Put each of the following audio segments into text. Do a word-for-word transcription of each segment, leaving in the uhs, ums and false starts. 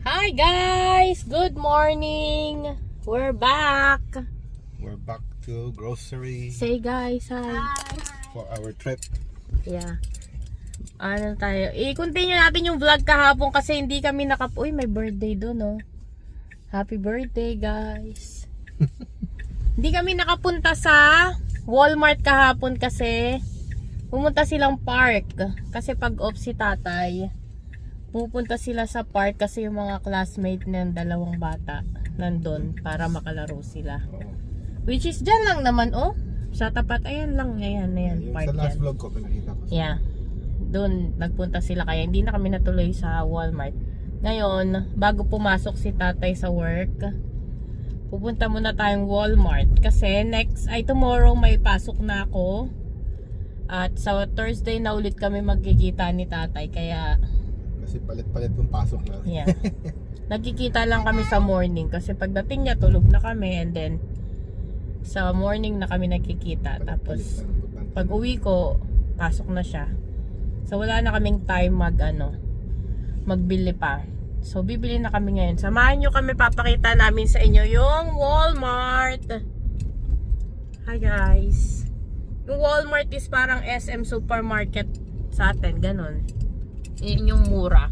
Hi guys! Good morning! We're back! We're back to grocery. Say guys, hi! For our trip. Yeah. Ano tayo? I-continue natin yung vlog kahapon kasi hindi kami nakap... Uy, may birthday doon, oh. Happy birthday, guys! Hindi kami nakapunta sa Walmart kahapon kasi pumunta silang park. Kasi pag off si tatay, pupunta sila sa park kasi yung mga classmate ng dalawang bata nandun para makalaro sila. Which is dyan lang naman, oh. Sa tapat, ayan lang, ayan, ayan, Yung park sa last yan. vlog ko, pinakita ko. Yeah. Doon, nagpunta sila kaya hindi na kami natuloy sa Walmart. Ngayon, bago pumasok si tatay sa work, pupunta muna tayong Walmart. Kasi next, ay tomorrow may pasok na ako. At sa Thursday na ulit kami magkikita ni tatay. Kaya Kasi palit-palit yung pasok natin. yeah. Nagkikita lang kami sa morning kasi pagdating niya tulog na kami and then sa morning na kami nagkikita. Tapos pag uwi ko, pasok na siya. So wala na kaming time mag ano, magbili pa. So bibili na kami ngayon. Samahan niyo kami, papakita namin sa inyo yung Walmart. Hi guys. Yung Walmart is parang S M supermarket sa atin, ganun. Yun yung mura.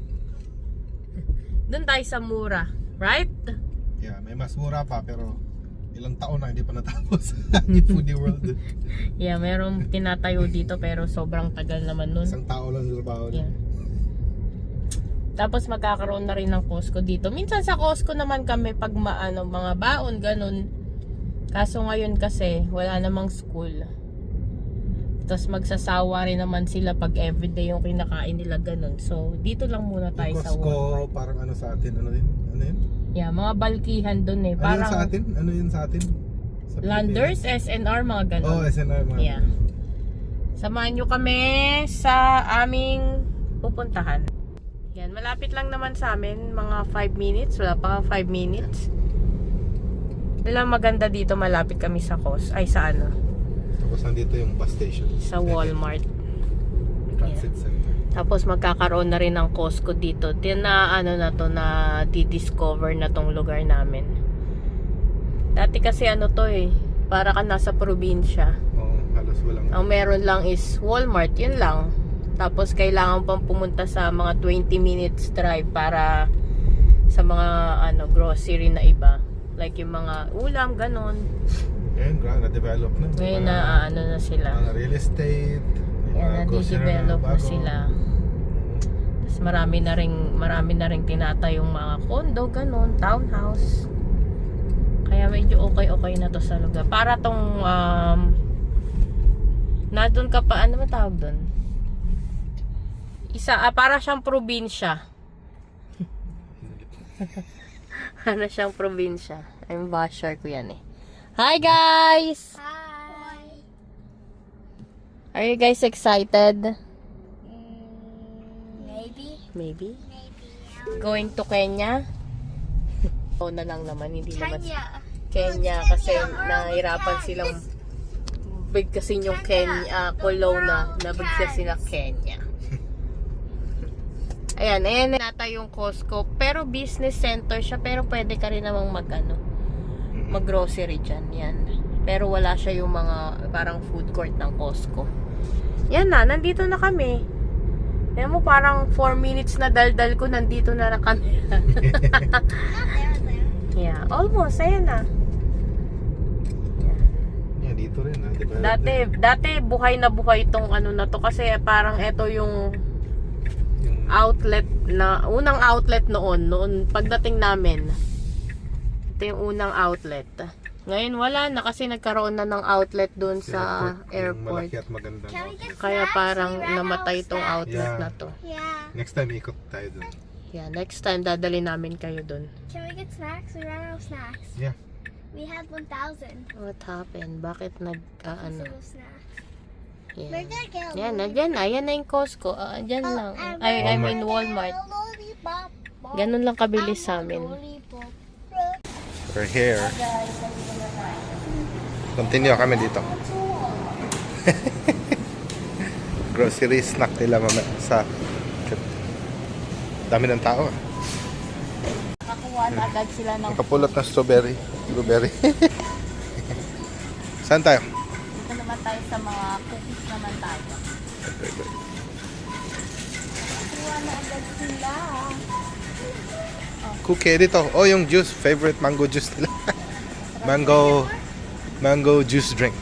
Doon tayo sa mura, right? Yeah, may mas mura pa pero ilang taon na hindi pa natapos. Yung foodie world. Yeah, merong tinatayo dito pero sobrang tagal naman nun. Isang tao lang sa trabaho. Yeah. Tapos magkakaroon na rin ng Costco dito. Minsan sa Costco naman kami pag maano, mga baon, ganun. Kaso ngayon kasi wala namang school. Tapos magsasawa rin naman sila pag everyday yung kinakain nila, ganun. So dito lang muna tayo Yung sa Costco, Walmart. parang ano sa atin, ano yun? Ano yun? Yeah, mga balkihan dun eh. Ano Parang yun sa atin? Ano yun sa atin? Sa Landers, S N R, mga ganun. Oh, S N R mga. Yeah. Samahan nyo kami sa aming pupuntahan. Yan, malapit lang naman sa amin, mga five minutes, wala pa five minutes. Walang maganda dito, malapit kami sa Cos, ay sa ano, Tapos nandito yung bus station. sa Walmart. Transit center. Tapos magkakaroon na rin ng Costco dito. Tina ano na to, na di-discover na tong lugar namin. Dati kasi ano to eh, para ka nasa probinsya. Oo, halos walang. Ang meron lang is Walmart, yun lang. Tapos kailangan pang pumunta sa mga twenty minutes drive para sa mga ano grocery na iba. Like yung mga ulam, ganon. Ngayon, gra- na-develop na. Ngayon Mga- na ano na sila. Mga real estate. may Yan, mga grocery nadi-develop na bago. sila. Tapos marami na rin, marami na rin tinatayong mga condo, ganon, townhouse. Kaya medyo okay-okay na to sa lugar. Para tong, um, na doon ka pa, ano ba tawag doon? Isa, ah, para siyang probinsya. Para siyang probinsya. I'm basher ko yan eh. Hi guys! Hi. Are you guys excited? Maybe. Maybe. Maybe. Going to Kenya? O na lang naman, hindi naman. Kenya. Kenya kasi nahirapan silang bigkasin yung Kenya, uh, Kelowna, nabigkas sila Kenya. Ayan, ayan nata yung Costco, pero business center siya, pero pwede ka rin namang mag ano, mag grocery dyan, yan. Pero wala siya yung mga parang food court ng Costco. Yan na, nandito na kami. Ayan mo, parang four minutes na daldal ko, nandito na na kami. Not there, there. Yeah, almost, ayan na. Yeah, dito rin. Ha? Develop Dati, din. dati buhay na buhay itong ano na to kasi parang ito yung Yung outlet na, unang outlet noon, noon pagdating namin. Ito yung unang outlet. Ngayon wala na kasi nagkaroon na ng outlet doon sa yung airport. malaki at maganda. Can we No? get Kaya snacks? parang We ran namatay out of itong snacks. outlet Yeah. na to. Yeah. Next time, ikot tayo dun. Yeah, next time dadali namin kayo doon. Can we get snacks? We ran out of snacks. Yeah. We had one thousand. What happened? Bakit nag, ah, ano? Pieces of snacks. Yeah. We're gonna get a Yan, lollipop. nandiyan na. Yan na yung Costco. Ah, dyan Oh, lang. and Ay, I we're mean gonna Walmart. get a lollipop. Ganun lang kabilis I sa want amin. lollipop. We're here. Continue kami dito. Grocery snack nila mamaya sa dami ng tao. Kukuha na agad sila ng Nakapulot na strawberry. Blueberry. Saan tayo? Dito naman tayo sa mga cookies naman tayo. Kukuha na agad sila. Cookie dito. Oh, yung juice. Favorite mango juice nila. mango, mango juice drink.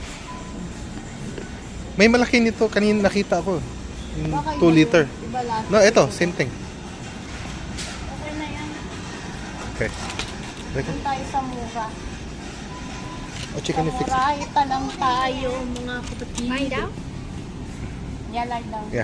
May malaki nito. Kanina nakita ko. Yung Baka two iba liter. yung- Iba lahat. No, ito. Same thing. Okay na yan. Okay. Teka. Doon tayo sa mura. Oh, Sa chicken and fix. mura, ita lang tayo mga kapatid. Lie down? Yeah, lie down. Yeah.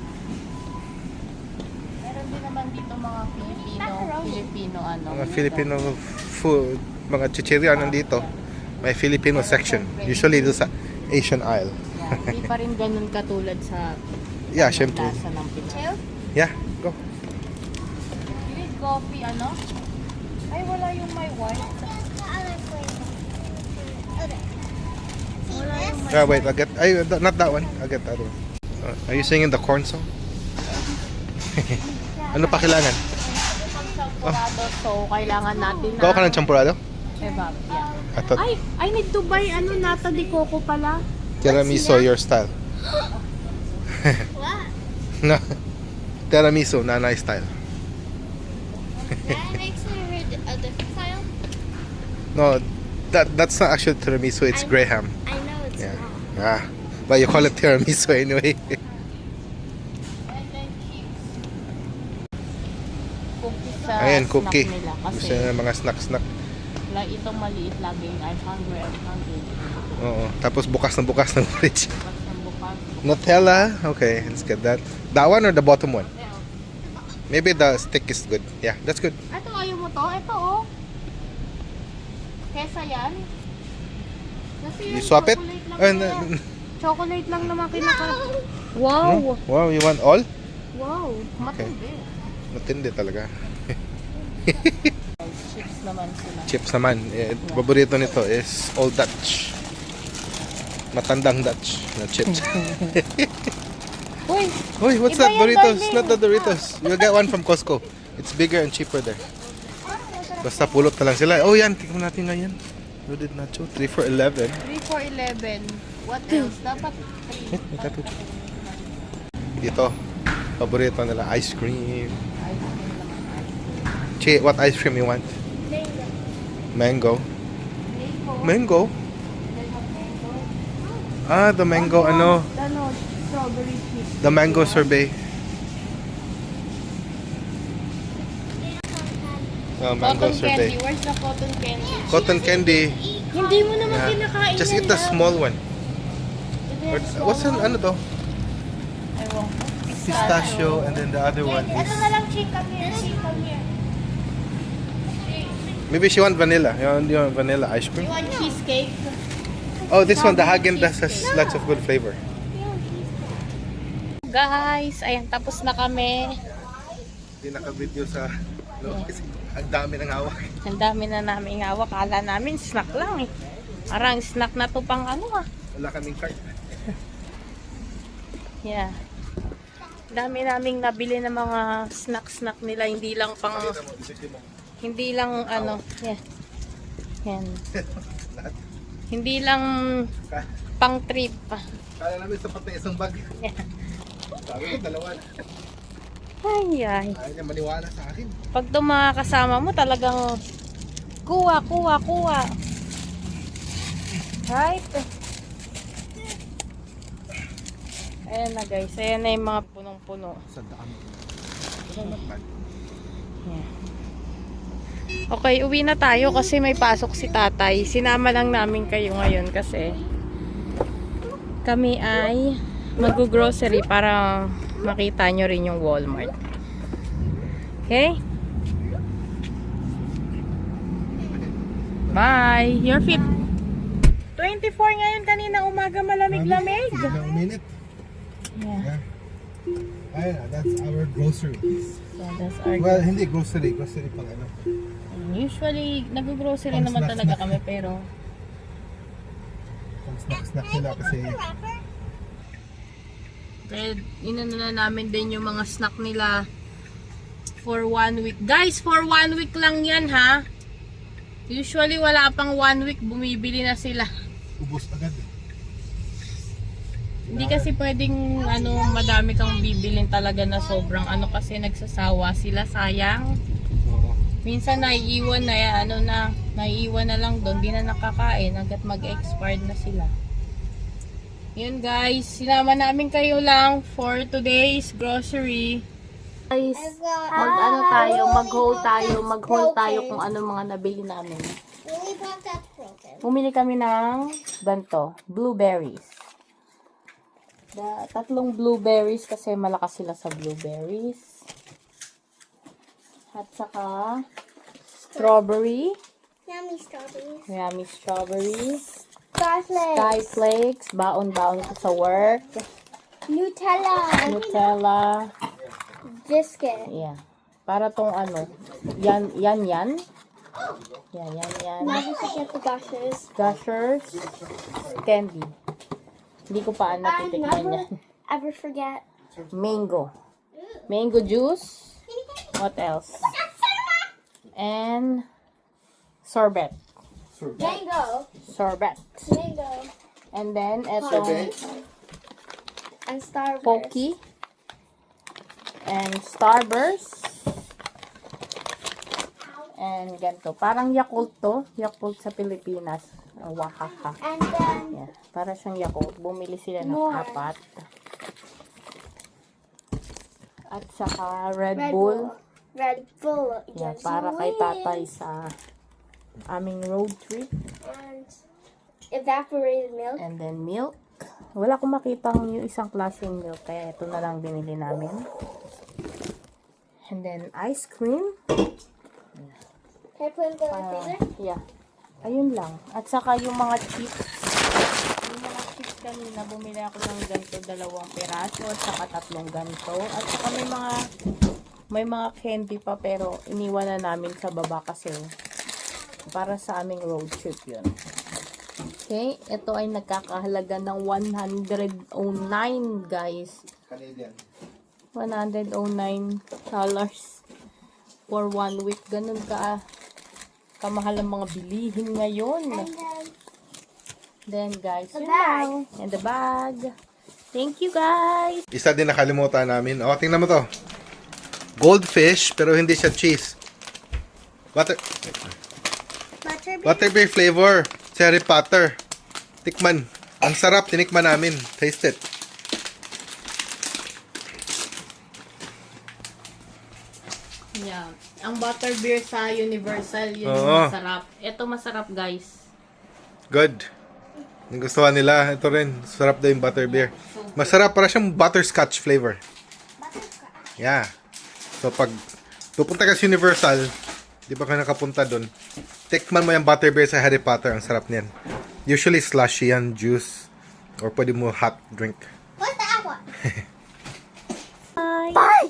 Meron din naman dito mga Filipino, Filipino ano. Mga Filipino food, mga chichirya nandito. May Filipino section. Usually do sa Asian aisle. Yeah, hindi pa rin ganun katulad sa Yeah, ano, syempre. lasa ng Pinoy. Two? Yeah, go. You need coffee, ano? Ay, wala yung my white. The other flavor. Okay. See Wala this? yung my Yeah, wait, I'll get, ay, th- not that one. I'll get that one. Uh, are you singing the corn song? Ano pa kailangan? pang champurado, so kailangan natin na... Gawa ka ng champurado? Evap, yeah. I thought Ay, I need to buy ano, nata de coco pala. tiramisu your style. What? No. Tiramisu, nanay style. That makes it a different style. No, that that's not actually tiramisu, it's I- graham. I know it's Yeah. not. Ah, but you call it tiramisu anyway. And then chips. Cookies sa Ayan, snack cookie. nila. Kasi Gusto na mga snack-snack. like, itong maliit laging I'm hungry, I'm hungry. Oo. Tapos bukas na bukas ng fridge. Bukas ng bukas. Nutella. Okay, let's get that. That one or the bottom one? Ito, Maybe the stick is good. Yeah, that's good. ito ayaw mo to? Ito oh. Kesa yan. Kasi You yan, swap it? chocolate lang Uh, yan. n- Chocolate lang naman kinaka. Wow! no? Wow, you want all? Wow! Matindi. Matindi talaga. Chips naman sila. Chips naman. Eh, paborito nito is Old Dutch. Matandang Dutch na chips. Uy! Uy, what's Iba that? yan, Doritos. darling. Not the Doritos. You'll get one from Costco. It's bigger and cheaper there. Basta pulot na lang sila. Oh, yan. Tingnan natin ngayon. Loaded nacho. three for eleven. three for eleven. What else? Dapat three. Eh, may tattoo. Dito. Paborito nila. Ice cream. Che, what ice cream you want? Mango. Mango? Ah, the mango, ano? Ano? Strawberry chips. The mango sorbet. Oh, mango Cotton candy. sorbet. Where's the cotton candy? Cotton candy. Hindi mo naman Yeah. kinakain Just yan, eat the ah. small one. Ito Or, yung small what's an, one. ano to? Ewan ko. Pistachio, and then the other one Ito is... na lang, chick, come here, chick, come here. Maybe she want vanilla. You want, you want vanilla ice You cream? want cheesecake? Oh, this one, the Häagen-Dazs has lots of good flavor. Guys, ayan, tapos na kami. Hindi naka-video sa... No, kasi ang dami ng hawak. Ang dami na namin hawak. Kala namin snack lang eh. Parang snack na to pang ano ah. Wala kaming cart. Yeah. Dami naming nabili ng mga snack-snack nila. Hindi lang pang... Pakita mo, isipin mo. Hindi lang ano. Yeah. Yan. Lahat. Hindi lang Ka- pang trip. ah. Kala namin sapat na isang bag. Yeah. Sabi ko, dalawa na. Ay, ay. Ayaw niya maniwala sa akin. Pag itong mga kasama mo, talagang kuha, kuha, kuha. Right? Ayan na guys. Ayan na yung mga punong-puno. Sa daan. Ito not bad. Yeah. Okay, uwi na tayo kasi may pasok si tatay. Sinama lang namin kayo ngayon kasi kami ay mag-grocery para makita nyo rin yung Walmart. Okay? Bye! Your feet. twenty-four ngayon, kanina umaga malamig-lamig. Ilang minute. Yeah. Yeah. Ayun na, that's our groceries. So that's our Well, hindi grocery. Grocery pang ano. Usually, nag-grocery Pang naman snack, talaga snack. kami pero Pang snack-snack sila kasi... kaya inano na namin din yung mga snack nila. for one week. Guys, for one week lang yan ha. Usually wala pang one week, bumibili na sila. Ubus agad. Hindi kasi pwedeng ano, madami kang bibilin talaga na sobrang ano kasi nagsasawa sila, sayang. Oo. Minsan naiiwan na yan, ano na, naiiwan na lang doon, di na nakakain hanggat mag-expired na sila. Yun guys, sinama namin kayo lang for today's grocery. Guys, mag ano tayo, mag-haul tayo, mag-haul tayo kung ano mga nabili namin. Lily Pop that's broken. Bumili kami ng ganito, blueberries. Da, tatlong blueberries kasi malakas sila sa blueberries. At saka strawberry, Yummy strawberries. yummy strawberries, Garlic. sky flakes, baon-baon ko sa work, Nutella. Nutella, Biscuit. yeah. Para tong ano, yan, yan, yan. Yan, yan, yan. Never forget the gushers. Gushers, candy. Hindi ko pa I natitikman never yan. ever forget. Mango. Mango juice. What else? And sorbet. Mango. Sorbet. Mango. And then, etong And Starburst. Pocky. And Starburst. And ganito. Parang Yakult to. Yakult sa Pilipinas. Oh, wahaha. And then Yeah. Para siyang Yakult. Bumili sila ng More. apat. At saka Red, Red Bull. Bull. Red Bull. Yeah, Yes, para kay sweet. tatay sa aming road trip. And evaporated milk. And then milk. Wala akong makitang yung isang klaseng milk. Kaya ito na lang binili namin. And then ice cream. Can I put it in the Ah, freezer? yeah. Ayun lang. At saka yung mga chips. Yung mga chips kanina, bumili ako ng ganito, dalawang piraso, at saka tatlong ganito. At saka may mga, may mga candy pa, pero iniwan na namin sa baba kasi para sa aming road trip yun. Okay, ito ay nagkakahalaga ng one hundred nine guys. Canadian. one hundred nine dollars for one week. Ganun ka kamahal ang mga bilihin ngayon. And then Then guys, The yun bag. lang. And the bag. Thank you guys. Isa din nakalimutan namin. O, tingnan mo to. Goldfish, pero hindi siya cheese. Butter, butterbeer. butterbeer flavor. Cherry Potter. Tikman. Ang sarap. Tinikman namin. Taste it. Yeah. Ang butterbeer sa Universal, yun Oo. yung masarap. Ito masarap guys. Good. Nagustuhan nila. Ito rin. Sarap daw yung butterbeer. Masarap. Para siyang butterscotch flavor. Yeah. So, pag pupunta ka sa Universal, di ba ka nakapunta dun, tikman mo yung butterbeer sa Harry Potter. Ang sarap niyan. Usually slushy yan, juice. Or pwede mo hot drink. What's that one? Bye!